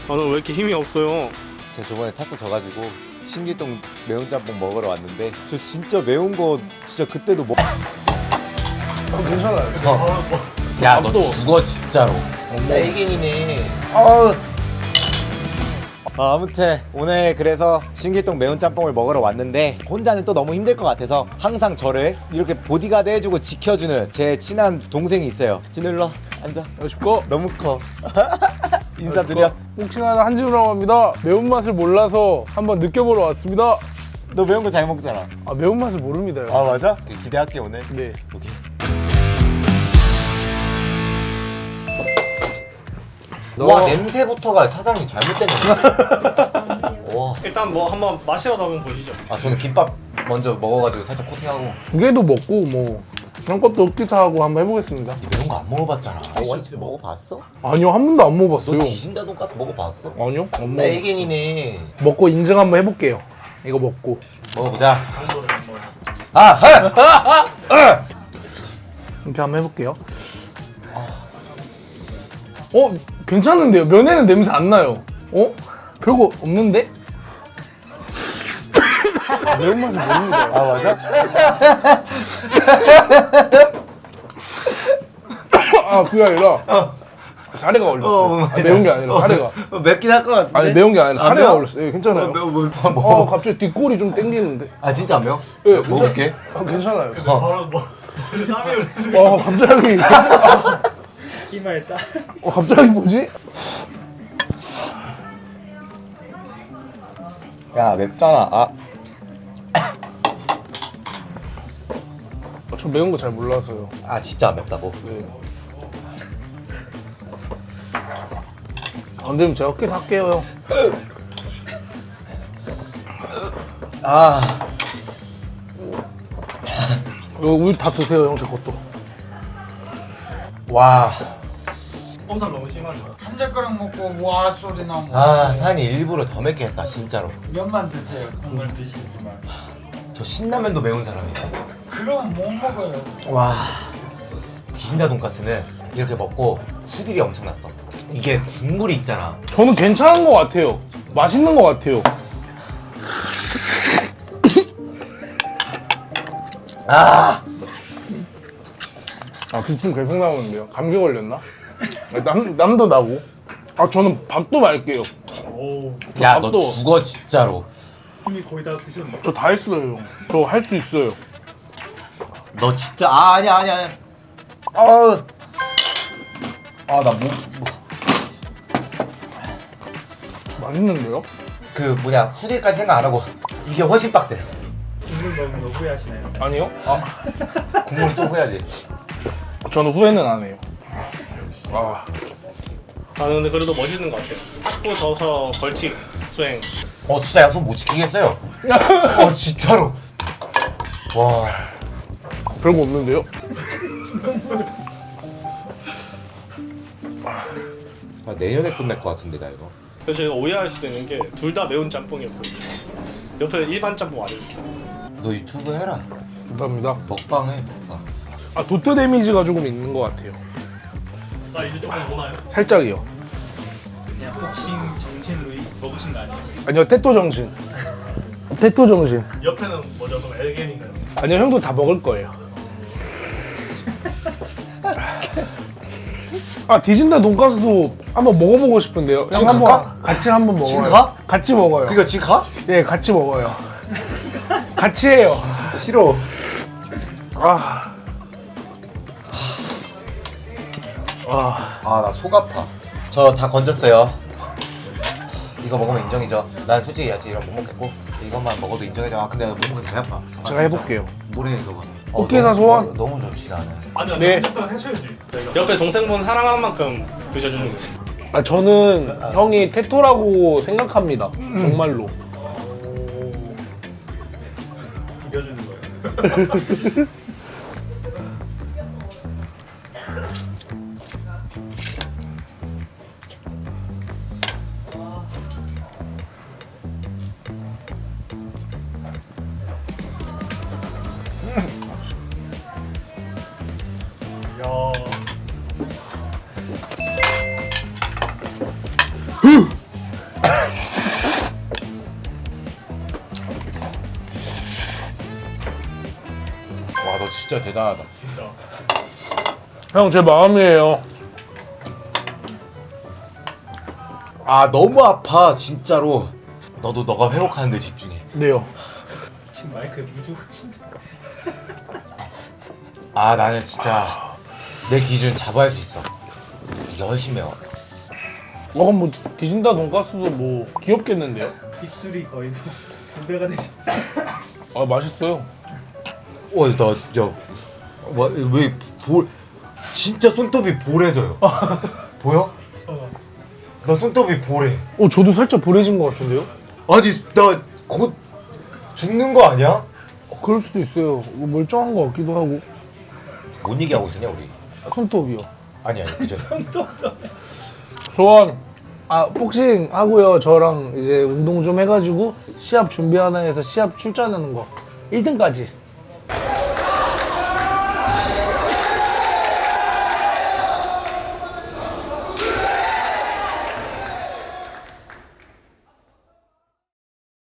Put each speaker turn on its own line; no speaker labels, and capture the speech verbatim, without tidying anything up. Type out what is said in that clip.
나는 왜 이렇게 힘이 없어요?
제가 저번에 탁구 져가지고 신길동 매운 짬뽕 먹으러 왔는데 저 진짜 매운 거 진짜 그때도 먹...
어, 괜찮아요.
야 너
밥도.
죽어 진짜로. 애견이네. 어우. 아, 아무튼 오늘 그래서 신길동 매운 짬뽕을 먹으러 왔는데 혼자는 또 너무 힘들 것 같아서 항상 저를 이렇게 보디가드 해주고 지켜주는 제 친한 동생이 있어요. 진울러 앉아.
안녕하십니까.
너무 커. 인사드려.
혹시나 한지우라고 합니다. 매운맛을 몰라서 한번 느껴보러 왔습니다.
너 매운 거 잘 먹잖아.
아, 매운맛을 모릅니다.
아 맞아? 기대할게 오늘.
네.
오케이.
너-
와 냄새부터가 사장님 잘못된 냄새. 와.
일단 뭐 한번 맛이라도 한번 보시죠.
아 저는 김밥 먼저 먹어가지고 살짝 코팅하고.
두 개도 먹고 뭐 그런 것도 없기도 하고 한번 해보겠습니다.
니 매운 거 안 먹어봤잖아. 원치 먹어봤어?
아니요, 한 번도 안
너
먹어봤어요.
귀신다 돈가스 먹어봤어?
아니요, 안
나
먹어.
애견이네.
먹고 인증 한번 해볼게요. 이거 먹고.
먹어보자. 아, 하!
이렇게 한번 해볼게요. 어, 괜찮은데요? 면에는 냄새 안 나요. 어? 별거 없는데? 매운맛을 모릅니다.
아 맞아?
아, 그게 아니라 사례가 올렸어요.
어,
아, 매운 게 아니라 사례가.
어, 맵긴 할 것 같은데.
아니, 매운 게 아니라
안
사례가
매워?
올렸어요. 예, 괜찮아요.
어, 매워 뭐, 뭐,
어,
뭐.
갑자기 뒷골이 좀 땡기는데.
아 진짜 안 매워?
예,
먹을게.
아, 괜찮아요.
바로 뭐 땀이 흘리는
어, 갑자기.
기마했다.
어, 갑자기 뭐지?
야 맵잖아. 아.
저 매운 거 잘 몰라서요.
아 진짜 안 맵다고?
네. 안 되면 제가 어깨 할게요, 형.
아.
이거 우유 다 드세요, 형, 제 것도.
와.
엄살 너무 심하죠.
한 젓가락 먹고 와 소리 나면
아 사장님 일부러 더 맵게 했다 진짜로.
면만 드세요. 국물 드시지만.
저 신라면도 매운 사람이야.
그럼 못 먹어요.
와. 디진다 돈가스는 이렇게 먹고 후딜이 엄청 났어. 이게 국물이 있잖아.
저는 괜찮은 것 같아요. 맛있는 것 같아요.
아.
아, 기침 계속 나오는데요. 감기 걸렸나? 남, 남도 나고. 아, 저는 밥도 말게요.
오,
야 너
밥도-
죽어 진짜로.
이미 거의 다 드셨네.
저 다 했어요, 형. 저 할 수 있어요.
너 진짜 아 아니야 아니야 아니야. 어. 아나 뭐. 뭐.
맛있는데요?
그 뭐냐 후딜까지 생각 안 하고 이게 훨씬 빡세.
국물 먹는 거 후회하시나요?
아니요? 아,
국물을 좀 해야지.
저는 후회는 안 해요. 아,
나는 근데 그래도 멋있는 것 같아요. 탁구 져서 벌칙 수행.
어 진짜 약속 못 지키겠어요. 어 진짜로. 와.
별거 없는데요?
아, 내년에 끝날 것 같은데 나 이거.
그래서 제가 오해할 수도 있는 게 둘 다 매운 짬뽕이었어요. 옆에 일반 짬뽕 아닙니다.
너 유튜브 해라.
감사합니다.
먹방 해. 먹방.
아, 도트 데미지가 조금 있는 것 같아요.
나 이제 조금 오나요?
살짝이요.
그냥 복싱 정신으로 먹으신 거 아니에요?
아니요, 테토 정신. 테토 정신.
옆에는 뭐죠? 그럼 엘겐인가요?
아니요, 형도 다 먹을 거예요. 아, 디진다 돈가스도 한번 먹어보고 싶은데요.
지금
형 한번
갈까?
같이 한번 먹어요.
지금 가?
같이 먹어요.
그거 지금 가?
예, 같이 먹어요. 같이 해요.
싫어.
아, 아,
아 나 속 아파. 저 다 건졌어요. 이거 먹으면 인정이죠. 난 솔직히 야채 이런 못 먹겠고 이것만 먹어도 인정이죠. 아 근데 못 먹으면 배 아파. 아,
제가
진짜.
해볼게요.
뭐래 너가.
꽃게사
너무-
소원?
너무, 너무 좋지 나는.
아니요,
네.
일단 해줘야지. 옆에 동생분 사랑하는 만큼 드셔주는 거예요.
아, 저는 형이 테토라고 생각합니다. 정말로.
이겨주는 거예요. 야.
대단하다.
진짜.
형 제 마음이에요.
아 너무 아파 진짜로. 너도 너가 회복하는데 집중해.
네요.
지금 마이크에 무주하신데.
아 나는 진짜 내 기준 자부할 수 있어. 열심히 매워.
어, 그럼 뭐 디진다 돈가스도 뭐 귀엽겠는데요?
입술이 거의 두 배가 되죠.
아 맛있어요.
어, 나, 야, 와, 왜 볼, 진짜 손톱이 보래져요. 보여?
어.
나 손톱이 보래.
어 저도 살짝 보래진 것 같은데요?
아니, 나 곧 죽는 거 아니야?
어, 그럴 수도 있어요. 뭐 멀쩡한 것 같기도 하고.
뭔 얘기하고 있었냐, 우리?
손톱이요.
아니, 아니, 그죠.
소원. 아 복싱 하고요. 저랑 이제 운동 좀 해가지고 시합 준비하나 해서 시합 출전하는 거 일 등까지